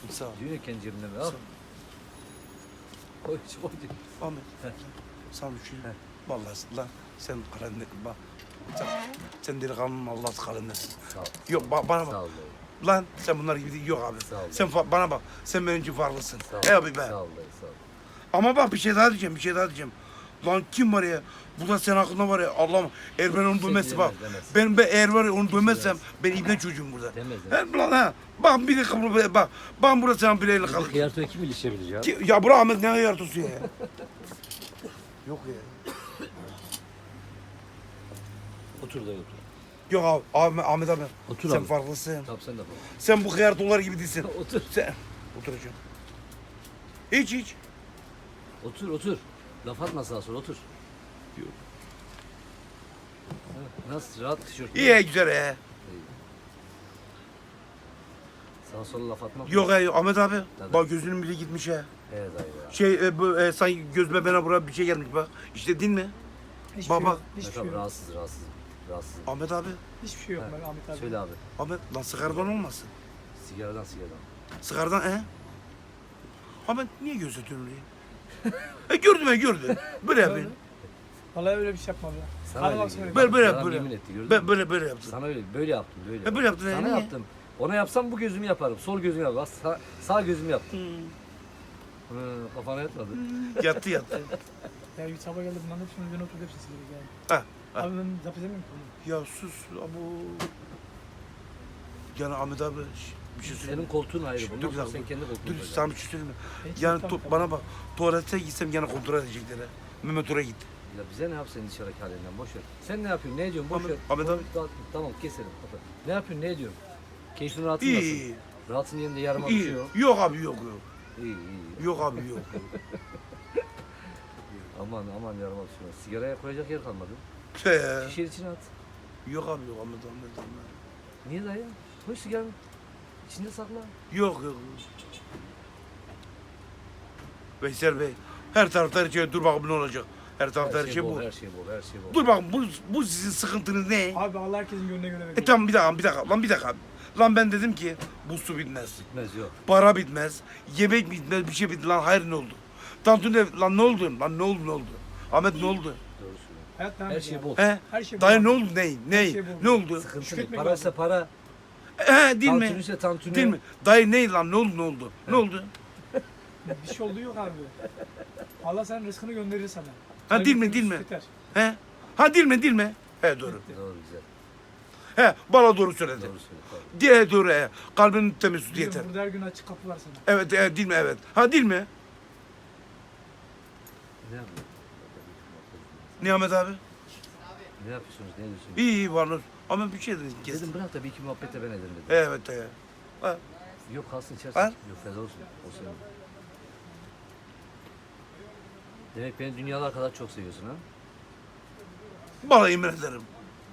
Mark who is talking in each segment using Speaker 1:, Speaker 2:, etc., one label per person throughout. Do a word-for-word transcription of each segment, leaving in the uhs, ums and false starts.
Speaker 1: Sağ ol.
Speaker 2: Diyor ya kendi cebimden al.
Speaker 1: Sağ ol.
Speaker 2: Koy koy diyor.
Speaker 1: Ahmet.
Speaker 2: Heh.
Speaker 1: Sana bir şey.
Speaker 2: Heh.
Speaker 1: Vallahi lan sen kalender bak. Sen, sen delikanlının Allah'ın kalendersin.
Speaker 2: Sağ ol.
Speaker 1: Yok ba- bana bak.
Speaker 2: Sağ ol dayı.
Speaker 1: Lan sen bunlar gibi değil. Yok abi.
Speaker 2: Sağ ol.
Speaker 1: Sen fa- bana bak. Sen benim için farklısın.
Speaker 2: Sağ ol.
Speaker 1: Ey abi be.
Speaker 2: Sağ ol dayı sağ ol.
Speaker 1: Ama bak bir şey daha diyeceğim. Bir şey daha diyeceğim. Lan kim var ya? Burada sen hakkında var ya. Allah'ım. Eğer ben onu
Speaker 2: şey
Speaker 1: dövmezsem bak.
Speaker 2: diyemez, demez.
Speaker 1: Ben be eğer var ya onu dövmezsem
Speaker 2: demez.
Speaker 1: ben ibne çocuğum burada.
Speaker 2: Demez,
Speaker 1: He lan ha. Bak bir dakika burada bak. Ben burada sen bileyle
Speaker 2: Bir
Speaker 1: kal.
Speaker 2: hıyartoya kim ilişebilir ya?
Speaker 1: Ki- Ya bırak Ahmet ne yardısı ya. Yok ya.
Speaker 2: Otur dayı otur.
Speaker 1: Yok abi, abi Ahmet abi.
Speaker 2: Otur
Speaker 1: sen
Speaker 2: abi.
Speaker 1: farklısın.
Speaker 2: Tamam sen de bak.
Speaker 1: Sen bu hıyar dolar gibi değilsin.
Speaker 2: Otur.
Speaker 1: Sen oturacağım. Hiç hiç.
Speaker 2: Otur otur. Laf atma sağa sola otur.
Speaker 1: Yok.
Speaker 2: Ha, nasıl rahat tişört?
Speaker 1: İyi he, güzel he.
Speaker 2: Sağa sola laf atma.
Speaker 1: Yok he Ahmet abi.
Speaker 2: Tabii.
Speaker 1: Bak gözünün bile gitmiş he.
Speaker 2: Evet dayı ya.
Speaker 1: Şey e, bu e, sanki gözüme bana buraya bir şey gelmiş bak. İşte din mi?
Speaker 3: Hiçbir
Speaker 1: Baba.
Speaker 3: şey yok. Hiçbir
Speaker 2: Mesela
Speaker 3: şey yok.
Speaker 2: rahatsız rahatsız. Rahatsız.
Speaker 1: Ahmet abi.
Speaker 3: Hiçbir şey yok
Speaker 2: Ha,
Speaker 3: ben Ahmet abi.
Speaker 2: Söyle abi.
Speaker 1: Ahmet lan sigaradan olmasın.
Speaker 2: Sigaradan sigaradan.
Speaker 1: Sigaradan he. Ahmet niye gözetiyorsun orayı? e gördüm he gördüm. Böyle yapayım.
Speaker 3: Vallahi öyle bir şey yapma be.
Speaker 2: Sana
Speaker 3: Hadi
Speaker 2: öyle
Speaker 3: bak
Speaker 2: geliyor.
Speaker 3: söyle.
Speaker 1: Böyle böyle
Speaker 2: Yalan
Speaker 1: yap böyle.
Speaker 2: yemin etti gördün
Speaker 1: Ben
Speaker 2: mü?
Speaker 1: böyle böyle yaptım.
Speaker 2: Sana öyle böyle yaptım böyle.
Speaker 1: E, böyle yaptın, he,
Speaker 2: Sana
Speaker 1: niye?
Speaker 2: yaptım. Ona yapsam bu gözümü yaparım. Sol gözümü yaparım. Sağ, sağ gözümü yaptım.
Speaker 1: Hmm.
Speaker 2: Hı, kafana yatmadı.
Speaker 1: Yattı yattı.
Speaker 3: Ya bir sabah geldi bunların hepsini üzerine oturdu hepsini sildik yani.
Speaker 1: Ha, ha.
Speaker 3: Abi ben zapt edemiyorum ki bunu.
Speaker 1: Ya sus abu. Yani Ahmet abi şş, bir şey söyleyeyim.
Speaker 2: Senin koltuğun ayrı.
Speaker 1: Şş,
Speaker 2: Bundan
Speaker 1: dur bir
Speaker 2: sonra
Speaker 1: dakika,
Speaker 2: sen kendi koltuğunu
Speaker 1: Dur
Speaker 2: koyacaksın.
Speaker 1: sana bir şey söyleyeyim mi?
Speaker 3: Ben hiç
Speaker 1: Yani
Speaker 3: yapmam
Speaker 1: tu-
Speaker 3: tabii.
Speaker 1: bana bak tuvalete gitsem gene kontrol edecekler ha. Mehmet oraya git.
Speaker 2: Ya bize ne yap senin dışarıdaki halinden boş ver. Sen ne yapıyorsun? Ne ediyorsun? Boş
Speaker 1: Ahmet-
Speaker 2: ver.
Speaker 1: Ahmet abi.
Speaker 2: Tamam, Tamam keselim. kapat. Ne yapıyorsun? Ne ediyorsun? Keyfin rahatın
Speaker 1: İyi
Speaker 2: nasıl?
Speaker 1: iyi.
Speaker 2: Rahatın yerinde yarım bir şey
Speaker 1: İyi.
Speaker 2: yok.
Speaker 1: Yok abi yok yok.
Speaker 2: İyi iyi. iyi.
Speaker 1: Yok abi yok.
Speaker 2: Aman aman yarım bir şey yok. Sigaraya koyacak yer kalmadı.
Speaker 1: He.
Speaker 2: Şişe içine at.
Speaker 1: Yok abi yok Ahmet Ahmet Ahmet.
Speaker 2: Niye dayı? Koy sigaranı. İçinde sakla.
Speaker 1: Yok yok. Veysel Bey her tarafta her şey dur bakalım ne olacak. Her tarafta her, şey, bu.
Speaker 2: Her şey bol, her şey bol.
Speaker 1: Dur bakalım bu, bu sizin sıkıntınız ne?
Speaker 3: Abi Allah herkesin gönlüne göre veriyor.
Speaker 1: E tamam bir dakika bir dakika lan bir dakika. Lan ben dedim ki bu su bitmez.
Speaker 2: Bitmez yok.
Speaker 1: Para bitmez. Yemek bitmez bir şey bitmez. Lan hayır ne oldu? Tantun ev lan ne oldu? Lan ne oldu ne oldu? Ahmet ne oldu?
Speaker 2: Doğru söylüyorsun.
Speaker 3: Hayat devam
Speaker 2: Her
Speaker 3: ediyor
Speaker 2: şey
Speaker 3: abi.
Speaker 2: bol.
Speaker 1: He?
Speaker 3: Her şey
Speaker 1: Dayı
Speaker 3: bol.
Speaker 1: ne oldu? Ney? Ney?
Speaker 3: şey bu.
Speaker 1: Ne oldu?
Speaker 2: Sıkıntı ne?
Speaker 3: Şükretmek
Speaker 2: Para ise
Speaker 3: lazım.
Speaker 2: para.
Speaker 1: He değil mi?
Speaker 2: Tantuni ise tantuni.
Speaker 1: Değil mi? Dayı ne lan ne oldu ne oldu? Ne oldu?
Speaker 3: Bir şey olduğu yok abi. Allah senin rızkını gönderir sana.
Speaker 1: Ha, değil mi,
Speaker 3: Kalbin
Speaker 1: değil mi?
Speaker 3: temiz yeter.
Speaker 1: He? Ha değil mi değil mi? He doğru.
Speaker 2: Doğru güzel.
Speaker 1: He bana doğru söyledi.
Speaker 2: Doğru söyle. Doğru.
Speaker 1: Diye doğru he. Kalbinin temiz sütü
Speaker 3: Biliyorum,
Speaker 1: yeter.
Speaker 3: burada her gün açık kapı var sana.
Speaker 1: Evet e, değil mi evet. Ha değil mi?
Speaker 2: Ne yapıyorsun?
Speaker 1: Nihamet abi?
Speaker 2: Ne yapıyorsunuz? Ne diyorsunuz?
Speaker 1: İyi iyi varlar. Ama bir şey dedim. Kes.
Speaker 2: Dedim bırak da bir iki muhabbet de ben ederim dedim.
Speaker 1: Evet he. Ha.
Speaker 2: Yok kalsın içersin.
Speaker 1: Ha?
Speaker 2: Yok feda olsun. O senin. Demek beni dünyalar kadar çok seviyorsun ha?
Speaker 1: Bana yemin ederim.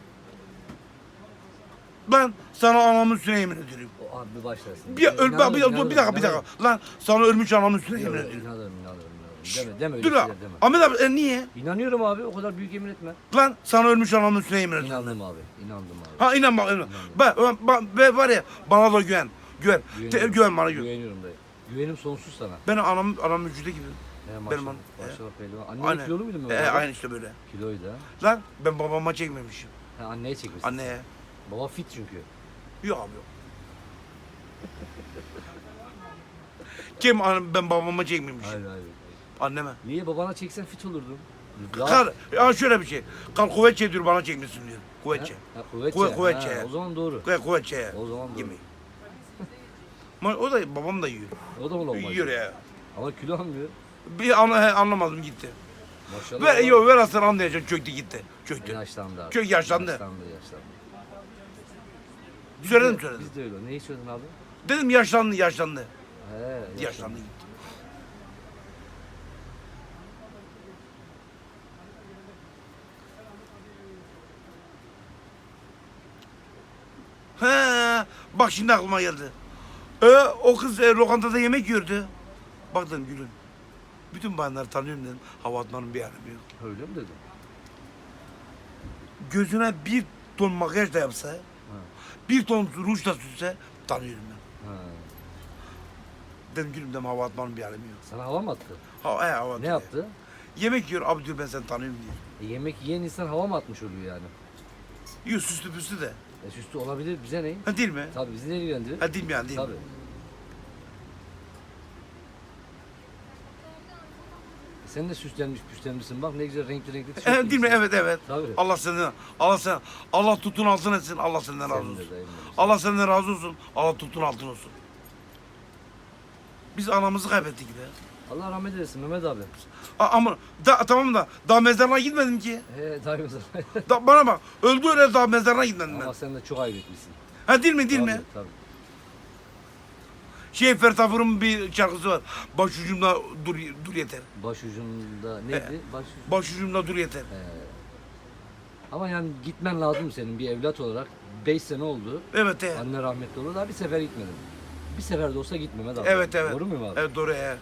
Speaker 1: Ben sana anamın üstüne yemin ediyorum.
Speaker 2: O abi başlarsın.
Speaker 1: Bir, öl,
Speaker 2: İnanırım,
Speaker 1: bir, bir,
Speaker 2: inanırım,
Speaker 1: bir dakika bir
Speaker 2: inanırım.
Speaker 1: dakika. Lan sana ölmüş anamın üstüne
Speaker 2: Yok,
Speaker 1: yemin
Speaker 2: yok,
Speaker 1: ediyorum.
Speaker 2: inanırım, inanırım, inanırım. Deme, deme öyle
Speaker 1: Dur
Speaker 2: şeyler
Speaker 1: lan.
Speaker 2: deme.
Speaker 1: Ahmet abi e, niye?
Speaker 2: İnanıyorum abi, o kadar büyük yemin etme.
Speaker 1: Lan sana ölmüş anamın üstüne yemin ediyorum.
Speaker 2: İnandım abi, inandım abi.
Speaker 1: Ha inan bak inan. Ben, ben, ben, ben var ya bana da güven. Güven.
Speaker 2: Güveniyorum.
Speaker 1: Te, güven bana güven.
Speaker 2: Güveniyorum dayı. Güvenim sonsuz sana.
Speaker 1: Ben anam anam vücudu gibi.
Speaker 2: He, maşallah,
Speaker 1: Benim an-
Speaker 2: maşallah pehlivan. Annen
Speaker 1: Aynen.
Speaker 2: kilolu muydu mu?
Speaker 1: E, aynı işte böyle.
Speaker 2: Kiloydu ha.
Speaker 1: Lan ben babama çekmemişim.
Speaker 2: Ha, anneye çekmişsin.
Speaker 1: Anneye.
Speaker 2: Baba fit çünkü.
Speaker 1: Yok abi yok. Kim anam ben babama çekmemişim.
Speaker 2: Hayır hayır.
Speaker 1: Anneme.
Speaker 2: Niye babana çeksen fit olurdun? Daha-
Speaker 1: Kal, ya şöyle bir şey. Kal kuvvetçe diyor bana çekmişsin diyor. Kuvvetçe.
Speaker 2: Ha, ha, kuvvetçe.
Speaker 1: Kuvvet- kuvvetçe.
Speaker 2: Ha, o zaman doğru.
Speaker 1: Kuvvet, kuvvetçe.
Speaker 2: O zaman doğru.
Speaker 1: Yemeği. Ama o da babam da yiyor.
Speaker 2: O da mı olmaz?
Speaker 1: Yiyor ya.
Speaker 2: Ama kilo almıyor.
Speaker 1: Bir an, he, anlamadım gitti.
Speaker 2: Maşallah.
Speaker 1: Ver,
Speaker 2: adam-
Speaker 1: yok ver aslan anlayacaksın çöktü gitti. Çöktü.
Speaker 2: Yaşlandı abi.
Speaker 1: Çok yaşlandı.
Speaker 2: Yaşlandı yaşlandı.
Speaker 1: Söyledim
Speaker 2: Biz de-
Speaker 1: söyledim.
Speaker 2: Biz de öyle. Neyi söyledin abi?
Speaker 1: Dedim yaşlandı yaşlandı.
Speaker 2: He yaşlandı.
Speaker 1: Yaşlandı gitti. He, bak şimdi aklıma geldi. E, o kız e, lokantada yemek yiyordu. Bak dedim gülüm. Bütün bayanları tanıyorum dedim. Hava atmanın bir alemi yok.
Speaker 2: Öyle mi dedin?
Speaker 1: Gözüne bir ton makyaj da yapsa, bir ton ruj da sürse tanıyorum ben.
Speaker 2: Ha.
Speaker 1: Dedim gülüm dedim hava atmanın bir alemi yok.
Speaker 2: Sana hava mı attı?
Speaker 1: Ha, he, hava
Speaker 2: Ne
Speaker 1: atıyor.
Speaker 2: yaptı?
Speaker 1: Yemek yiyor abi diyor ben seni tanıyorum diyor.
Speaker 2: E, yemek yiyen insan hava mı atmış oluyor yani?
Speaker 1: Yiyor süslü püslü de.
Speaker 2: E, süslü olabilir, bize ne?
Speaker 1: Ha değil mi?
Speaker 2: Tabii bizi ne ilgilendirir?
Speaker 1: Ha değil mi yani değil mi?
Speaker 2: Tabii. Sen de süslenmiş püslenmişsin bak ne güzel renkli renkli tişört
Speaker 1: He, değil mi?
Speaker 2: giymişsin.
Speaker 1: Evet evet.
Speaker 2: Tabii.
Speaker 1: Allah senden Allah sen Allah tutun altın etsin. Allah senden razı
Speaker 2: Senin de
Speaker 1: olsun.
Speaker 2: dayım benim.
Speaker 1: Allah senden razı olsun. Allah tutun altın olsun. Biz anamızı kaybettik be.
Speaker 2: Allah rahmet eylesin Mehmet abi.
Speaker 1: A- ama da, tamam da daha mezarına gitmedim ki.
Speaker 2: He dayım
Speaker 1: Da, bana bak öldü öyle daha mezarına gitmedim ben.
Speaker 2: Ama sen de çok ayıp etmişsin.
Speaker 1: Ha değil mi değil
Speaker 2: Tabii,
Speaker 1: mi?
Speaker 2: Tabii.
Speaker 1: Şey Fertafur'un bir şarkısı var. Başucumda dur dur yeter.
Speaker 2: Başucunda neydi? Baş...
Speaker 1: Başucumda dur yeter.
Speaker 2: Ama yani gitmen lazım senin bir evlat olarak. Beş sene oldu.
Speaker 1: Evet he.
Speaker 2: Anne rahmetli oldu. Daha bir sefer gitmedim. Bir sefer de olsa git Mehmet abi.
Speaker 1: Evet evet.
Speaker 2: Doğru muyum abi?
Speaker 1: Evet doğru he.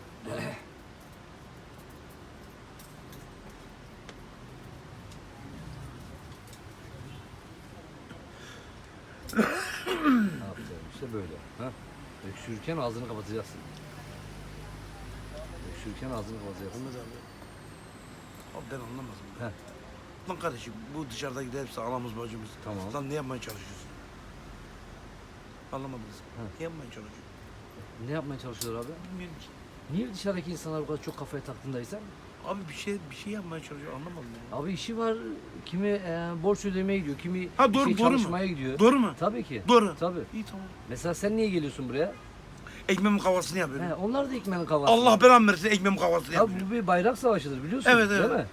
Speaker 2: Ne yapacağım işte böyle. Ha? Öksürürken ağzını kapatacaksın. Öksürürken ağzını kapatacaksın.
Speaker 1: Abi ben anlamadım.
Speaker 2: He.
Speaker 1: Lan kardeşim bu dışarıdaki hepsi anamız bacımız.
Speaker 2: Tamam.
Speaker 1: Lan ne yapmaya çalışıyorsun? Anlamadınız.
Speaker 2: He.
Speaker 1: Ne yapmaya çalışıyorsun?
Speaker 2: Ne yapmaya çalışıyorlar abi?
Speaker 1: Bilmiyorum ki.
Speaker 2: Niye dışarıdaki insanlar bu kadar çok kafaya taktığındaysan?
Speaker 1: Abi bir şey bir şey yapmaya çalışıyor anlamadım ya.
Speaker 2: Abi işi var. Kimi e, borç ödemeye gidiyor, kimi
Speaker 1: Ha, doğru,
Speaker 2: bir şey
Speaker 1: doğru mu?
Speaker 2: çalışmaya gidiyor.
Speaker 1: Doğru mu?
Speaker 2: Tabii ki.
Speaker 1: Doğru.
Speaker 2: Tabii.
Speaker 1: İyi tamam.
Speaker 2: Mesela sen niye geliyorsun buraya?
Speaker 1: Ekmeğimin kavasını yapıyorum.
Speaker 2: He, onlar da ekmeğin kavası.
Speaker 1: Allah belamı versin ekmeğimin kavasını
Speaker 2: Tabii
Speaker 1: yapıyorum.
Speaker 2: bu bir bayrak savaşıdır biliyorsun.
Speaker 1: Evet, evet.
Speaker 2: Değil mi?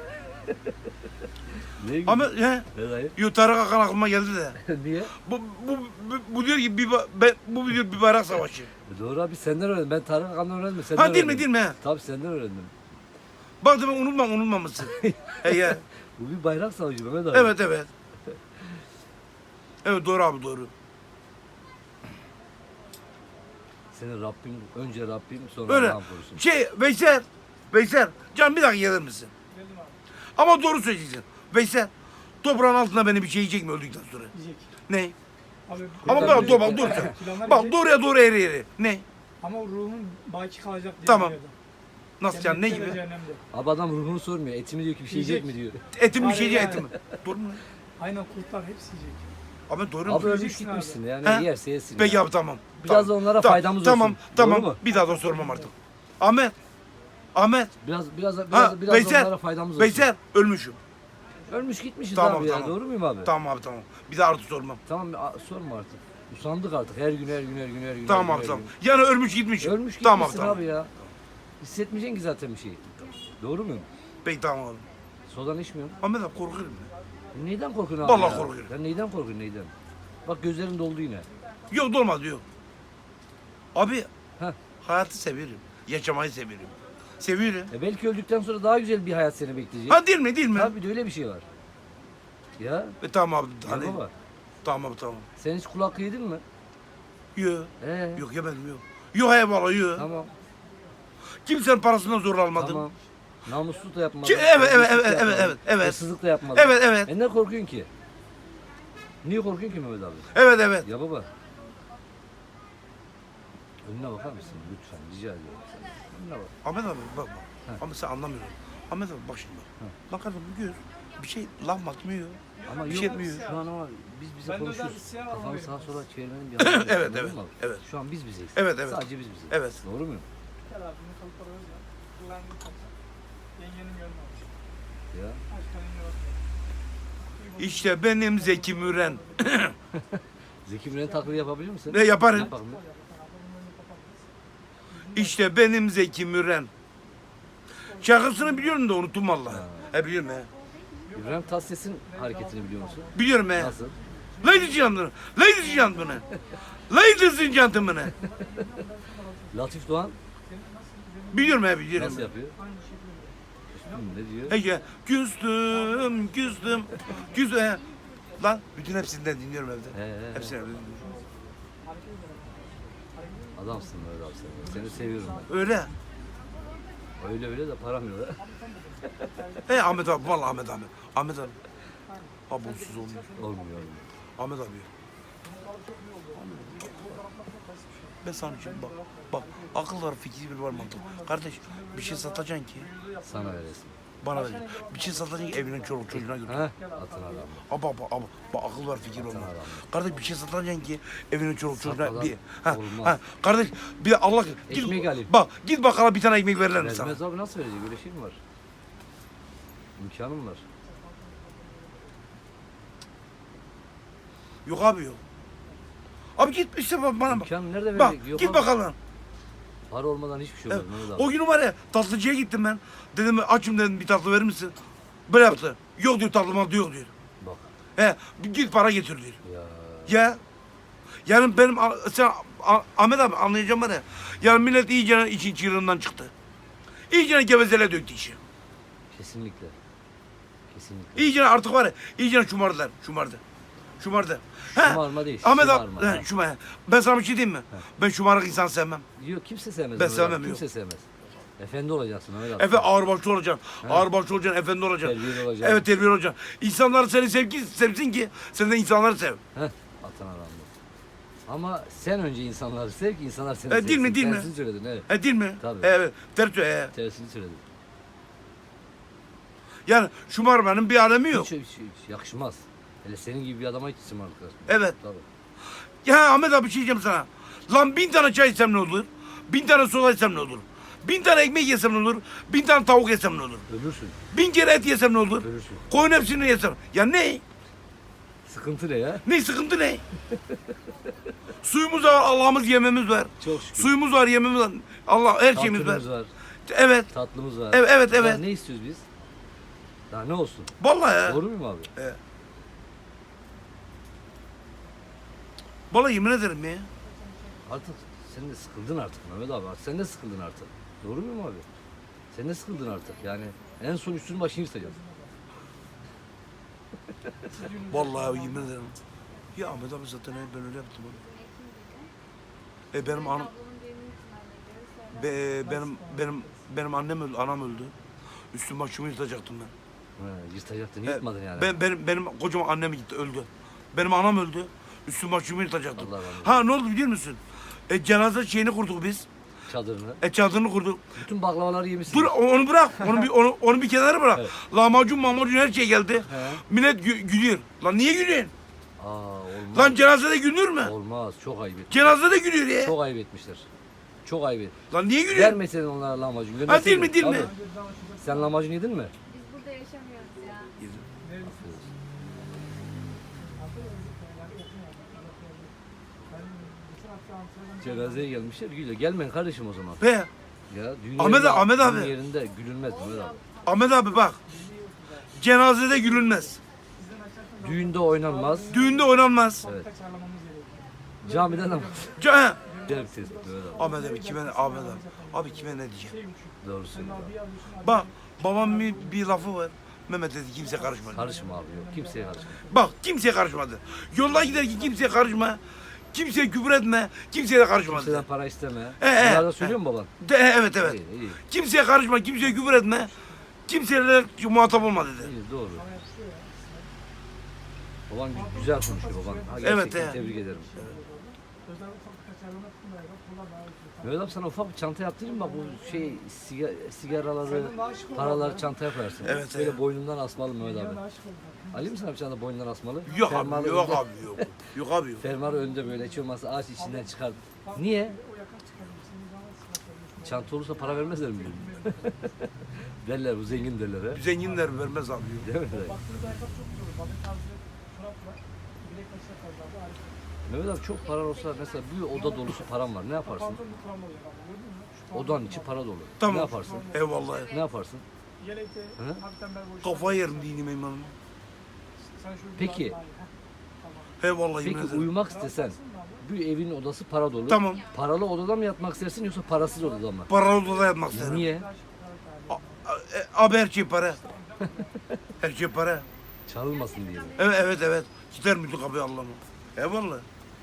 Speaker 2: Niye
Speaker 1: Ama he,
Speaker 2: Ne dayı?
Speaker 1: yo Tarık Akan aklıma geldi de.
Speaker 2: Niye?
Speaker 1: Bu, bu, bu, bu diyor ki bir, ba- ben, bu diyor bir bayrak savaşı.
Speaker 2: E doğru abi senden öğrendim. Ben Tarık Akan'dan öğrendim. Senden
Speaker 1: Ha değil mi
Speaker 2: öğrendim.
Speaker 1: değil mi he?
Speaker 2: Tabii senden öğrendim.
Speaker 1: Bak demek unutmam unutmamışsın. he ya.
Speaker 2: Bu bir bayrak savaşı Mehmet abi.
Speaker 1: Evet evet. Evet doğru abi doğru.
Speaker 2: Seni Rabbim, önce Rabbim sonra
Speaker 1: Öyle.
Speaker 2: Allah'ım korusun.
Speaker 1: Şey Veysel. Veysel. Can bir dakika gelir misin?
Speaker 3: Geldim abi.
Speaker 1: Ama doğru söyleyeceksin. Veysel. Toprağın altında beni bir şey yiyecek mi öldükten sonra?
Speaker 3: Yiyecek.
Speaker 1: Ne?
Speaker 3: Abi,
Speaker 1: Ama
Speaker 2: Tabii,
Speaker 1: bak
Speaker 2: tabii.
Speaker 1: dur bak dur sen.
Speaker 3: Planlar
Speaker 1: Bak
Speaker 3: yiyecek.
Speaker 1: doğruya doğru eri eri. Ne?
Speaker 3: Ama ruhun baki kalacak diye
Speaker 1: Tamam.
Speaker 3: biliyordu.
Speaker 1: Nasıl can ne
Speaker 3: Cennette ve
Speaker 1: gibi?
Speaker 3: cehennemde.
Speaker 2: Abi adam ruhunu sormuyor. Etimi diyor ki bir şey yiyecek mi diyor.
Speaker 1: Etim bir
Speaker 3: Aynen,
Speaker 1: şey
Speaker 3: aynen.
Speaker 1: etim mi? Doğru mu?
Speaker 3: Aynen kurtlar hepsi yiyecek.
Speaker 1: Ama doğru mu?
Speaker 2: Abi ölmüş
Speaker 3: yiyeceksin
Speaker 2: gitmişsin
Speaker 3: abi.
Speaker 2: yani
Speaker 1: He?
Speaker 2: yerse yesin.
Speaker 1: Peki
Speaker 2: ya.
Speaker 1: abi tamam.
Speaker 2: Biraz
Speaker 1: tamam.
Speaker 2: da onlara
Speaker 1: Tamam,
Speaker 2: faydamız
Speaker 1: tamam,
Speaker 2: olsun.
Speaker 1: Tamam
Speaker 2: Doğru mu?
Speaker 1: Bir daha da sormam artık. Ahmet. Ahmet.
Speaker 2: Biraz biraz biraz,
Speaker 1: Ha,
Speaker 2: biraz da
Speaker 1: Veysel.
Speaker 2: onlara faydamız olsun.
Speaker 1: Veysel ölmüşüm.
Speaker 2: Ölmüş gitmişiz
Speaker 1: Tamam,
Speaker 2: abi ya.
Speaker 1: tamam.
Speaker 2: Doğru muyum abi?
Speaker 1: Tamam abi tamam. Bir daha artık sormam.
Speaker 2: Tamam a- sorma artık. Usandık artık her gün her gün her gün her gün.
Speaker 1: Tamam
Speaker 2: her
Speaker 1: abi
Speaker 2: gün,
Speaker 1: tamam.
Speaker 2: her gün.
Speaker 1: Yani ölmüş gitmişim.
Speaker 2: Ölmüş gitmişsin
Speaker 1: Tamam abi tamam.
Speaker 2: abi ya. Hissetmeyeceksin ki zaten bir şey. Doğru muyum?
Speaker 1: Peki tamam abi.
Speaker 2: Sodan içmiyorum.
Speaker 1: Ahmet abi korkuyorum ben.
Speaker 2: Neyden korkuyorsun abi
Speaker 1: Vallahi
Speaker 2: ya?
Speaker 1: korkuyorum.
Speaker 2: Ya neyden korkuyorsun neyden? Bak gözlerin doldu yine.
Speaker 1: Yok dolmadı yok. Abi
Speaker 2: Heh.
Speaker 1: hayatı severim. Yaşamayı severim. Seviyorum.
Speaker 2: E belki öldükten sonra daha güzel bir hayat seni bekleyecek.
Speaker 1: Ha değil mi değil mi?
Speaker 2: Tabii de öyle bir şey var. Ya,
Speaker 1: E, tamam abi.
Speaker 2: ya
Speaker 1: Hadi.
Speaker 2: baba.
Speaker 1: Tamam abi tamam.
Speaker 2: Sen hiç kulak yedin mi?
Speaker 1: Yok.
Speaker 2: Ee,
Speaker 1: Yok yemedim yok. Yok eyvallah yok.
Speaker 2: Tamam.
Speaker 1: Kimsenin parasından zor almadım.
Speaker 2: Tamam. Namussuz da yapmadın.
Speaker 1: Ki- evet, evet,
Speaker 2: hırsızlık da
Speaker 1: evet, evet,
Speaker 2: yapmadın,
Speaker 1: evet, evet.
Speaker 2: Hırsızlık da yapmadın.
Speaker 1: Evet evet.
Speaker 2: E ne korkuyorsun ki? Niye korkuyorsun ki Mehmet abi?
Speaker 1: Evet evet.
Speaker 2: Ya baba. Önüne bakar mısın lütfen rica ediyorum senden. Önüne bak.
Speaker 1: Ahmet abi bak bak.
Speaker 2: He.
Speaker 1: Ama sen anlamıyorsun. Ahmet abi bak şimdi bak. Lan kardeşim bu göz bir şey laf atmıyor.
Speaker 2: Ama
Speaker 1: Bir
Speaker 2: yok
Speaker 1: şey etmiyor.
Speaker 2: şu an ama biz bize
Speaker 3: Ben de özel
Speaker 2: konuşuyoruz.
Speaker 3: isyan
Speaker 2: Kafanı
Speaker 3: almayı
Speaker 2: sağa sola çevirmenin bir
Speaker 1: Evet,
Speaker 2: anlamı yok,
Speaker 1: evet,
Speaker 2: anladın
Speaker 1: evet,
Speaker 2: mı?
Speaker 1: evet.
Speaker 2: Şu an biz bizeyiz.
Speaker 1: Evet, evet.
Speaker 2: Sadece biz bizeyiz.
Speaker 1: Evet.
Speaker 2: Doğru muyum?
Speaker 3: Gel abi bunu kalıplara öz ya. Kullandığı kalıp. Yengenin görmemiş.
Speaker 2: Ya.
Speaker 3: Aç kalınca bak.
Speaker 1: İşte benim Zeki Müren.
Speaker 2: Zeki Müren taklidi yapabilir misin?
Speaker 1: Ne yaparım?
Speaker 2: Yap bakalım.
Speaker 1: İşte benim Zeki Müren. Şarkısını biliyorum da unuttum vallahi. He biliyorum he.
Speaker 2: İbrahim Tatlıses'in hareketini biliyor musun?
Speaker 1: Biliyorum he.
Speaker 2: Nasıl?
Speaker 1: Ladies and gentlemen. Ladies and gentlemen. Ladies and gentlemen.
Speaker 2: Latif Doğan
Speaker 1: Biliyorum he biliyorum.
Speaker 2: nasıl yapıyor? Hı, ne diyor?
Speaker 1: He ya. Küstüm, küstüm, küstüm. he. Lan bütün hepsinden dinliyorum evde.
Speaker 2: He, he, he.
Speaker 1: Hepsini evde dinliyorum.
Speaker 2: Adamsın Mehmet abi sen. Seni seviyorum
Speaker 1: Öyle.
Speaker 2: ben. Öyle öyle de param yok.
Speaker 1: He Ahmet abi vallahi Ahmet abi. Ahmet abi. Ha bunsuz olmuyor.
Speaker 2: Olmuyor olmuyor.
Speaker 1: Ahmet abi. Ben sana için bak. Bak akıl var, fikir var, mantık. Kardeş bir şey satacaksın ki
Speaker 2: Sana veresin.
Speaker 1: bana ver. Bir şey satacaksın ki evine çoluk çocuğuna götür.
Speaker 2: Heh, atın adamı.
Speaker 1: Aba aba aba bak akıl var, fikir var.
Speaker 2: Sana
Speaker 1: mantık.
Speaker 2: rağmen.
Speaker 1: Kardeş bir şey satacaksın ki evine çoluk çocuğuna
Speaker 2: Satmadan
Speaker 1: bir ha,
Speaker 2: olmaz.
Speaker 1: ha kardeş bir de Allah git
Speaker 2: Ekmek alayım.
Speaker 1: bak git bakkala bir tane ekmek verirler mi sana?
Speaker 2: Vermez abi, nasıl verecek? Öyle şey mi var? İmkanım var.
Speaker 1: Yok abi yok. Abi git işte bana bak.
Speaker 2: İmkanı nerede
Speaker 1: Bak
Speaker 2: verecek? Yok
Speaker 1: git
Speaker 2: abi.
Speaker 1: bakalım.
Speaker 2: Para olmadan hiçbir şey
Speaker 1: Evet.
Speaker 2: olmaz Mehmet abi.
Speaker 1: O günü var ya tatlıcıya gittim ben. Dedim açım dedim bir tatlı verir misin? Böyle yaptı. Yok diyor tatlım aldı yok diyor.
Speaker 2: Bak
Speaker 1: He bir git para getir diyor.
Speaker 2: ya.
Speaker 1: Ya. Yani benim a- sen a- Ahmet abi anlayacağım var ya. Yani millet iyice için çığırından çıktı. İyice gevezele döktü işi.
Speaker 2: Kesinlikle. Kesinlikle.
Speaker 1: İyice artık var ya iyice şumardılar. Şumardı. Şumardı. He.
Speaker 2: Şımarma değil,
Speaker 1: Ahmet abi
Speaker 2: şımarma.
Speaker 1: he, şuma- Ben sana bir şey diyeyim mi? Ben şımarık insan sevmem.
Speaker 2: Yok, kimse sevmez.
Speaker 1: Ben
Speaker 2: Mehmet abi,
Speaker 1: sevmem,
Speaker 2: Kimse
Speaker 1: yok.
Speaker 2: sevmez. Efendi olacaksın Mehmet abi.
Speaker 1: Efe ağırbaşlı olacaksın. Ağırbaşlı olacaksın, efendi olacaksın.
Speaker 2: Terbiyeli olacaksın.
Speaker 1: Evet terbiyeli olacaksın. İnsanlar seni sevgi sevsin ki sen de insanları sev.
Speaker 2: Heh, atan adamdı. Ama sen önce insanları sev ki insanlar seni
Speaker 1: E,
Speaker 2: sevsin.
Speaker 1: değil mi, değil mi?
Speaker 2: Tersini söyledin, evet.
Speaker 1: E değil mi?
Speaker 2: Tabii.
Speaker 1: Evet. Ters söyle. he.
Speaker 2: Tersini söyledin.
Speaker 1: Yani şımarmanın bir alemi yok.
Speaker 2: Hiç, hiç, hiç yakışmaz. Hele senin gibi bir adama hiç şımarık yakışmaz.
Speaker 1: Evet.
Speaker 2: Tabii.
Speaker 1: Ya Ahmet abi bir şey diyeceğim sana. Lan bin tane çay içsem ne olur? Bin tane soda içsem ne olur? Bin tane ekmek yesem ne olur? Bin tane tavuk yesem ne olur?
Speaker 2: Ölürsün.
Speaker 1: Bin kere et yesem ne olur?
Speaker 2: Ölürsün.
Speaker 1: Koyun hepsini yesem. Ya ne?
Speaker 2: Sıkıntı ne ya?
Speaker 1: Ne sıkıntı ne? Suyumuz var, Allah'ımız yememiz var.
Speaker 2: Çok şükür.
Speaker 1: Suyumuz var, yememiz var. Allah her şeyimiz var.
Speaker 2: Tatlımız var.
Speaker 1: Evet.
Speaker 2: Tatlımız var.
Speaker 1: Evet, evet,
Speaker 2: Daha
Speaker 1: evet.
Speaker 2: ne istiyoruz biz? Daha ne olsun?
Speaker 1: Vallahi ya.
Speaker 2: Doğru muyum abi?
Speaker 1: Evet. Vallahi yemin ederim ya.
Speaker 2: Artık sen de sıkıldın artık Mehmet abi. Artık sen de sıkıldın artık. Doğru muyum abi? Sen de sıkıldın artık. Yani en son üstünü başını yırtacağız.
Speaker 1: Vallahi yemin ederim. Ya Ahmet abi zaten ben öyle yaptım onu. E benim anam be, benim benim benim annem öldü, anam öldü. Üstüm başımı yırtacaktım ben.
Speaker 2: Ha, yırtacaktın,
Speaker 1: E,
Speaker 2: yırtmadın yani.
Speaker 1: Ben benim benim kocaman annem gitti öldü. Benim anam öldü. Üstüm başımı yırtacaktım.
Speaker 2: Allah rahmet eylesin.
Speaker 1: Ha ne oldu biliyor musun? E cenaze şeyini kurduk biz.
Speaker 2: Çadırını.
Speaker 1: E çadırını kurduk.
Speaker 2: Bütün baklavaları yemişsin.
Speaker 1: Dur onu bırak. Onu bir onu, onu bir kenara bırak.
Speaker 2: Evet.
Speaker 1: Lahmacun, mamacun her şey geldi.
Speaker 2: He.
Speaker 1: Millet gü- gülüyor. Lan niye gülüyorsun?
Speaker 2: Aa, olmaz.
Speaker 1: Lan cenazede gülünür mü?
Speaker 2: Olmaz. Çok ayıp etmişler.
Speaker 1: Cenazede gülüyor ya.
Speaker 2: Çok ayıp etmişler. Çok ayıp et.
Speaker 1: Lan niye gülüyorsun?
Speaker 2: Vermeseydin onlara lahmacun.
Speaker 1: Ha
Speaker 2: gönderseydin.
Speaker 1: değil mi değil mi?
Speaker 2: Tabii. Sen lahmacun yedin mi?
Speaker 4: Biz burada yaşamıyoruz ya.
Speaker 2: Cenazeye gelmişler gülüyor. Gelmeyin kardeşim o zaman.
Speaker 1: Be
Speaker 2: Ya düğün
Speaker 1: Ahmet
Speaker 2: yerinde,
Speaker 1: abi, Ahmet
Speaker 2: düğün
Speaker 1: abi.
Speaker 2: yerinde gülünmez Ahmet abi.
Speaker 1: Ahmet abi bak. Cenazede gülünmez.
Speaker 2: Düğünde oynanmaz.
Speaker 1: Düğünde oynanmaz.
Speaker 2: Evet. Camide namaz.
Speaker 1: Ce- he.
Speaker 2: Güzel bir tespit Mehmet abi.
Speaker 1: Ahmet abi kime Ahmet abi. Abi kime ne diyeceğim?
Speaker 2: Doğru söylüyor.
Speaker 1: Bak babam bir, bir lafı var. Mehmet dedi kimse karışmadı.
Speaker 2: Karışma abi yok. Kimseye karışma.
Speaker 1: Bak kimseye karışmadı. Yolda giderken kimseye karışma. Kimseye küfür etme. Kimseye de karışma
Speaker 2: Kimseden
Speaker 1: dedi.
Speaker 2: para isteme.
Speaker 1: E, e,
Speaker 2: Bunlar da
Speaker 1: e.
Speaker 2: söylüyor mu baban?
Speaker 1: De, he, evet evet.
Speaker 2: İyi, iyi.
Speaker 1: Kimseye karışma. Kimseye küfür etme. Kimseyle muhatap olma dedi.
Speaker 2: İyi, doğru. Baban gü- güzel konuşuyor baban. Ha,
Speaker 1: Evet,
Speaker 2: gerçekten
Speaker 1: evet.
Speaker 2: tebrik ederim. Mehmet abi sana ufak bir çanta yaptırayım bak bu şey siga, sigaraları, paraları çantaya koyarsın.
Speaker 1: Evet,
Speaker 2: Böyle
Speaker 1: evet.
Speaker 2: boynundan asmalı Mehmet abi. Alayım mı sana bir çanta boynundan asmalı?
Speaker 1: Yok
Speaker 2: Fermuarı
Speaker 1: abi yok
Speaker 2: önde-
Speaker 1: abi yok. Yok abi yok.
Speaker 2: Fermuarı önde böyle hiç olmazsa ağaç içinden çıkar. Niye? Çanta olursa para vermezler mi? Derler bu zengin derler ha.
Speaker 1: Zenginler vermez abi yok.
Speaker 2: Değil mi? Mehmet abi çok paran olsa mesela bir oda dolusu param var ne yaparsın? Odanın içi para dolu.
Speaker 1: Tamam.
Speaker 2: Ne yaparsın?
Speaker 1: Eyvallah.
Speaker 2: Ne yaparsın? Hı?
Speaker 1: Kafayı yerim dinim imanım.
Speaker 2: Peki,
Speaker 1: Eyvallah yemin
Speaker 2: peki
Speaker 1: ederim.
Speaker 2: uyumak istesen bir evin odası para dolu.
Speaker 1: Tamam.
Speaker 2: Paralı odada mı yatmak istersin yoksa parasız odada mı?
Speaker 1: Paralı odada yatmak isterim.
Speaker 2: Niye?
Speaker 1: A- a- e, Abi her şey para. Her şey para.
Speaker 2: Çalınmasın diye. mi?
Speaker 1: Evet evet evet. Gider müdür kapıyı Allah'ım. Eyvallah.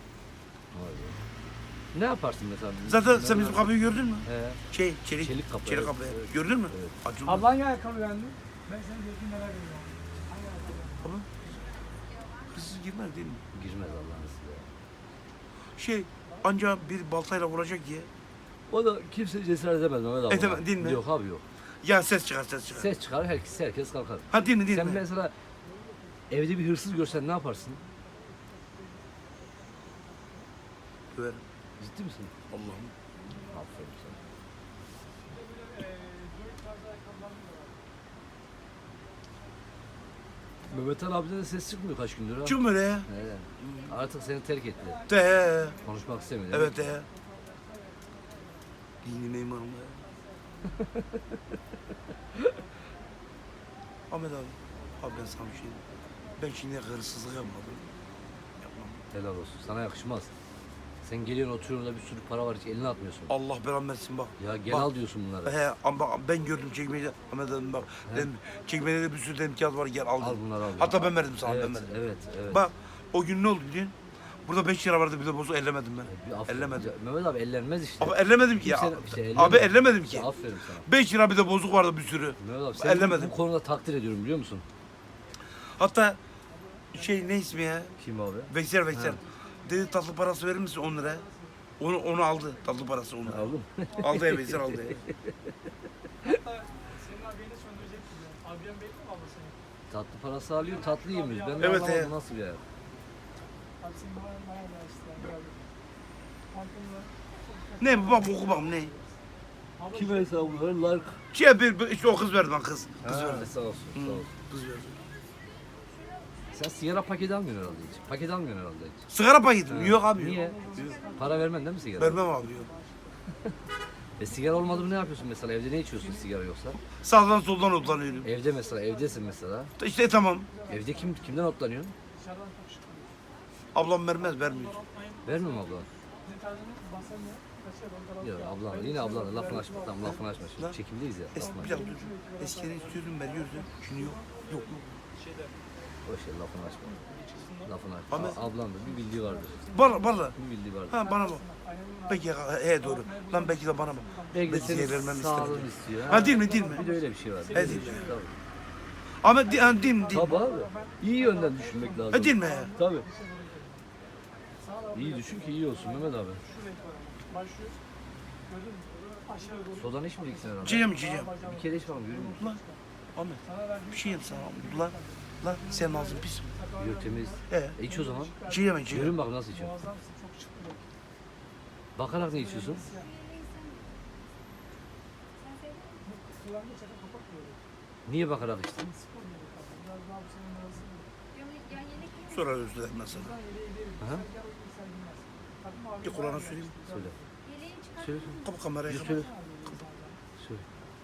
Speaker 2: Ne yaparsın mesela?
Speaker 1: Zaten sen bizim kapıyı gördün mü?
Speaker 2: He.
Speaker 1: Şey çelik.
Speaker 2: Çelik kapı,
Speaker 1: Çelik
Speaker 2: evet,
Speaker 1: kapı.
Speaker 2: evet.
Speaker 1: Gördün mü?
Speaker 2: Evet.
Speaker 1: Açıldı.
Speaker 3: Ablan hangi ayakkabı beğendi? Ben senin zevkini merak ediyorum. Hangi ayakkabı?
Speaker 1: Abi. Kızsız girmez değil mi?
Speaker 2: Girmez Allah'ın izniyle.
Speaker 1: Şey Ancak bir baltayla vuracak diye.
Speaker 2: O da kimse cesaret edemez Mehmet abi.
Speaker 1: Edemez,
Speaker 2: ona.
Speaker 1: değil mi?
Speaker 2: Yok abi yok.
Speaker 1: Ya ses çıkar ses çıkar.
Speaker 2: Ses çıkar herkes herkes kalkar.
Speaker 1: Ha değil mi değil
Speaker 2: Sen
Speaker 1: mi?
Speaker 2: mesela evde bir hırsız görsen ne yaparsın?
Speaker 1: Döverim.
Speaker 2: Ciddi misin?
Speaker 1: Allah'ım.
Speaker 2: Aferin sana. Mehmet Ali abiden de ses çıkmıyor kaç gündür ha.
Speaker 1: Çıkmıyor ya.
Speaker 2: He. Artık seni terk etti.
Speaker 1: De.
Speaker 2: Konuşmak istemiyor.
Speaker 1: Evet de. Dinime imanım ya. Ahmet abi. Abi ben sana bir şey diyeyim. Ben şimdi hırsızlık yapmadım. Yapmam.
Speaker 2: Helal olsun. Sana yakışmaz. Sen geliyorsun oturuyorsun da bir sürü para var hiç eline atmıyorsun.
Speaker 1: Allah belamı versin bak.
Speaker 2: Ya gel
Speaker 1: Bak.
Speaker 2: al diyorsun bunları.
Speaker 1: He ama bak ben gördüm çekmecede. Ahmet abi bak. Dedim, çekmecede bir sürü dedim kağıt var gel al.
Speaker 2: Al
Speaker 1: dedim.
Speaker 2: bunları al.
Speaker 1: Hatta ben verdim sana
Speaker 2: Evet,
Speaker 1: ben verdim.
Speaker 2: evet, evet.
Speaker 1: Bak o gün ne oldu biliyor musun? Burada beş lira vardı bir de bozuk ellemedim ben.
Speaker 2: Bir aferin.
Speaker 1: Ellemedim.
Speaker 2: Ya, Mehmet abi ellenmez işte.
Speaker 1: Abi ellemedim ki ya.
Speaker 2: Kimse- işte ellemez.
Speaker 1: Abi ellemedim ki.
Speaker 2: Ya, aferin sana.
Speaker 1: beş lira bir de bozuk vardı bir sürü.
Speaker 2: Mehmet abi seni
Speaker 1: Ellemedim.
Speaker 2: bu konuda takdir ediyorum biliyor musun?
Speaker 1: Hatta şey ne ismi ya?
Speaker 2: Kim abi?
Speaker 1: Veysel Veysel.
Speaker 2: Ha.
Speaker 1: Dedi tatlı parası verir misin on lira? Onu onu aldı. Tatlı parası onu.
Speaker 2: Aldın.
Speaker 1: Aldı ya Veysel aldı ya.
Speaker 3: Senin abini söndürecek gibi. Abiyen belli mi abla senin?
Speaker 2: Tatlı parası alıyor, tatlı yemiyor. Ben de
Speaker 1: Evet,
Speaker 2: anlamadım
Speaker 1: evet.
Speaker 2: nasıl bir hayat.
Speaker 3: Abi senin bana bana da işte. Yani. Farkında.
Speaker 1: Ne bu bak oku bakalım ne?
Speaker 2: Kim hesabı var? Like.
Speaker 1: Şey bir, bir işte o kız verdi bana kız. Kız
Speaker 2: Ha,
Speaker 1: verdi.
Speaker 2: sağ olsun,
Speaker 1: Hı,
Speaker 2: sağ olsun.
Speaker 1: kız verdi.
Speaker 2: Sen sigara paketi almıyorsun herhalde hiç. Paket almıyorsun herhalde hiç.
Speaker 1: Sigara paketi mi?
Speaker 2: Ha.
Speaker 1: Yok abi.
Speaker 2: Niye?
Speaker 1: Yok.
Speaker 2: Para vermen değil mi sigara?
Speaker 1: Vermem abi yok.
Speaker 2: E sigara olmadı mı ne yapıyorsun mesela? Evde ne içiyorsun sigara yoksa?
Speaker 1: Sağdan soldan otlanıyorum.
Speaker 2: Evde mesela, evdesin mesela.
Speaker 1: İşte tamam.
Speaker 2: Evde kim kimden otlanıyorsun?
Speaker 1: Ablam vermez vermiyor.
Speaker 2: Vermiyor mu abla?
Speaker 3: Senin tarzını bahsetmiyor. Kaçıyor.
Speaker 2: Yok ablan, yine ablan lafını açma, tamam lafını açma.
Speaker 1: Lan.
Speaker 2: Şimdi çekimdeyiz ya.
Speaker 1: Es,
Speaker 2: Lafını
Speaker 1: bir
Speaker 2: açma.
Speaker 1: dakika dur. Eskiden istiyordum veriyordu. Şimdi yok. Yok yok.
Speaker 2: Boş ver lafını açma. Lafını açma.
Speaker 1: Ama-
Speaker 2: A- Ablan da bir bildiği vardır.
Speaker 1: Bana bana.
Speaker 2: Bir bildiği vardır.
Speaker 1: Ha bana bak. Belki he doğru. Lan belki de bana bak.
Speaker 2: Belki de
Speaker 1: Belki
Speaker 2: senin
Speaker 1: zehirlenmemi
Speaker 2: sağlığını
Speaker 1: istedim.
Speaker 2: istiyor.
Speaker 1: Ha değil mi değil mi?
Speaker 2: Bir de öyle bir şey var.
Speaker 1: He değil mi?
Speaker 2: Tabii.
Speaker 1: Ama di, ha, değil mi değil mi?
Speaker 2: Tabii abi. İyi yönden düşünmek lazım.
Speaker 1: Ha değil mi?
Speaker 2: Tabii. İyi düşün ki iyi olsun Mehmet abi.
Speaker 3: Başlıyor. Gördün mü? Aşağı doğru.
Speaker 2: Sodan içmeyeceksin herhalde.
Speaker 1: İçeceğim içeceğim.
Speaker 2: Bir kere iç bakalım görüyor musun?
Speaker 1: Lan Ahmet bir şey yap sana. Lan lan senin ağzın pis mi?
Speaker 2: Yok temiz.
Speaker 1: He.
Speaker 2: E iç o zaman.
Speaker 1: İçeceğim içeceğim.
Speaker 2: Görün bak nasıl içiyorsun.
Speaker 3: Muazzamsın. Çok çıktı. bak.
Speaker 2: Bakarak ne içiyorsun?
Speaker 3: Kulağını çakıp kapat böyle.
Speaker 2: Niye bakarak içtin?
Speaker 3: Spor gibi kaldı. Biraz daha bu senin arasında.
Speaker 4: Ya yelek mi?
Speaker 1: Sonra özür dilerim ben sana.
Speaker 3: Buradan yere ileri.
Speaker 2: Aha.
Speaker 3: Gel bakayım sen bilmez. Takma abi.
Speaker 1: Bir Kur'an'a söyleyeyim.
Speaker 2: Söyle.
Speaker 4: Yeleği çıkar.
Speaker 2: Söyle.
Speaker 1: Kapa kamerayı.
Speaker 2: Söyle.
Speaker 1: Kapa.
Speaker 2: Söyle.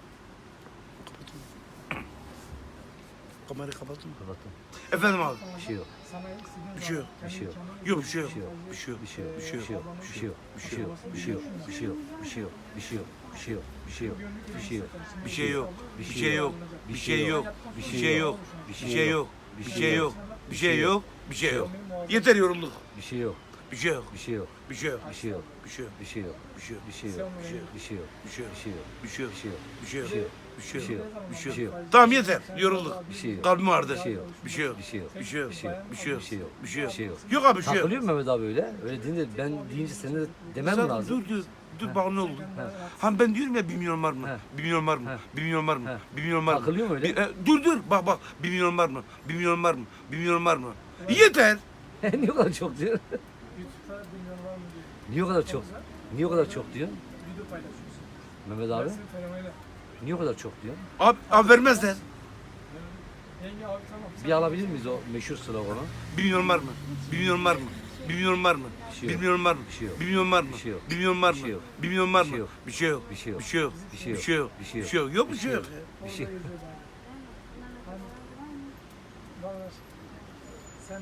Speaker 1: Kamerayı kapattın mı?
Speaker 2: Kapattım.
Speaker 1: Efendim abi.
Speaker 2: Bir şey yok.
Speaker 3: Sana istediğin
Speaker 1: Bir şey yok.
Speaker 2: Bir şey yok.
Speaker 1: Yok bir şey yok.
Speaker 2: Bir şey yok.
Speaker 1: Bir şey yok.
Speaker 2: Bir şey yok.
Speaker 1: Bir şey yok.
Speaker 2: Bir şey yok. Bir şey yok. Bir şey yok. Bir şey yok. Bir şey yok. Bir şey yok. Bir şey yok. Bir şey yok.
Speaker 1: Bir şey yok.
Speaker 2: Bir
Speaker 1: Bir şey yok. Bir şey yok.
Speaker 2: Bir
Speaker 1: Bir şey yok.
Speaker 2: Bir
Speaker 1: Bir şey yok. Bir şey yok. Bir şey yok. Bir şey yok.
Speaker 3: yok.
Speaker 1: Yeter yorulduk.
Speaker 2: Bir şey yok.
Speaker 1: Bir şey yok.
Speaker 2: Bir şey yok.
Speaker 1: Bir şey yok.
Speaker 2: Bir şey yok.
Speaker 1: Bir şey yok.
Speaker 2: Bir şey yok.
Speaker 1: Bir şey yok.
Speaker 2: Bir şey yok. Bir şey yok.
Speaker 1: Bir şey yok.
Speaker 2: Bir şey yok.
Speaker 1: Bir şey yok.
Speaker 2: Bir şey yok.
Speaker 1: Bir şey yok.
Speaker 2: Bir şey yok.
Speaker 1: Bir şey
Speaker 2: Bir şey
Speaker 1: yok.
Speaker 2: yok.
Speaker 1: Bir
Speaker 2: Bir
Speaker 1: şey
Speaker 2: şey
Speaker 1: yok.
Speaker 2: yok.
Speaker 1: Tamam yeter. Yorulduk.
Speaker 2: Bir şey yok.
Speaker 1: Kalbim ağrıdı.
Speaker 2: Bir şey yok.
Speaker 1: Bir şey yok.
Speaker 2: Bir şey yok.
Speaker 1: Bir şey yok.
Speaker 2: Bir şey yok.
Speaker 1: Bir şey yok.
Speaker 2: Bir şey yok.
Speaker 1: Bir şey yok.
Speaker 2: Bir şey yok.
Speaker 1: Yok abi bir şey yok.
Speaker 2: Takılıyor mu Mehmet abi öyle? Öyle deyince ben deyince senin de demem mi
Speaker 1: Sen
Speaker 2: lazım?
Speaker 1: dur dur. Dur bak ne oldu?
Speaker 2: He.
Speaker 1: Ha ben diyorum ya bir milyon var mı?
Speaker 2: He.
Speaker 1: Bir milyon var mı?
Speaker 2: He.
Speaker 1: Bir milyon var mı?
Speaker 2: He.
Speaker 1: Bir milyon var mı?
Speaker 2: Takılıyor mu öyle?
Speaker 1: Bir- e, dur dur bak bak bir milyon var mı? Bir milyon var mı? Bir milyon var mı? Yeter.
Speaker 2: Niye o kadar çok diyor?
Speaker 3: YouTube'da bilmiyorum var mı diye.
Speaker 2: Niye o kadar çok? Niye o kadar çok diyor?
Speaker 3: Video paylaşıyorsun.
Speaker 2: Mehmet abi?
Speaker 3: Dersin fenomeni.
Speaker 2: Niye o kadar çok diyor?
Speaker 1: Abi, abi vermezler.
Speaker 3: Yenge abi tamam.
Speaker 2: Bir alabilir miyiz o meşhur sloganı?
Speaker 1: Bir milyon var mı? Bir milyon var mı? Bir milyon var mı?
Speaker 2: Bir şey
Speaker 1: Bir
Speaker 2: yok.
Speaker 1: milyon var mı?
Speaker 2: Bir şey yok.
Speaker 1: Bir milyon var mı?
Speaker 2: Bir şey yok.
Speaker 1: Bir milyon var
Speaker 2: Bir
Speaker 1: mı?
Speaker 2: şey yok.
Speaker 1: Bir milyon var
Speaker 2: Bir şey
Speaker 1: mı?
Speaker 2: yok.
Speaker 1: Bir şey yok.
Speaker 2: Bir şey yok.
Speaker 1: Bir şey yok.
Speaker 2: Bir şey yok.
Speaker 1: Bir şey yok.
Speaker 2: Bir şey
Speaker 1: Bir şey yok. Yok bir şey yok.
Speaker 2: Bir şey.
Speaker 3: Orada yazıyor ben. Hani, var mı?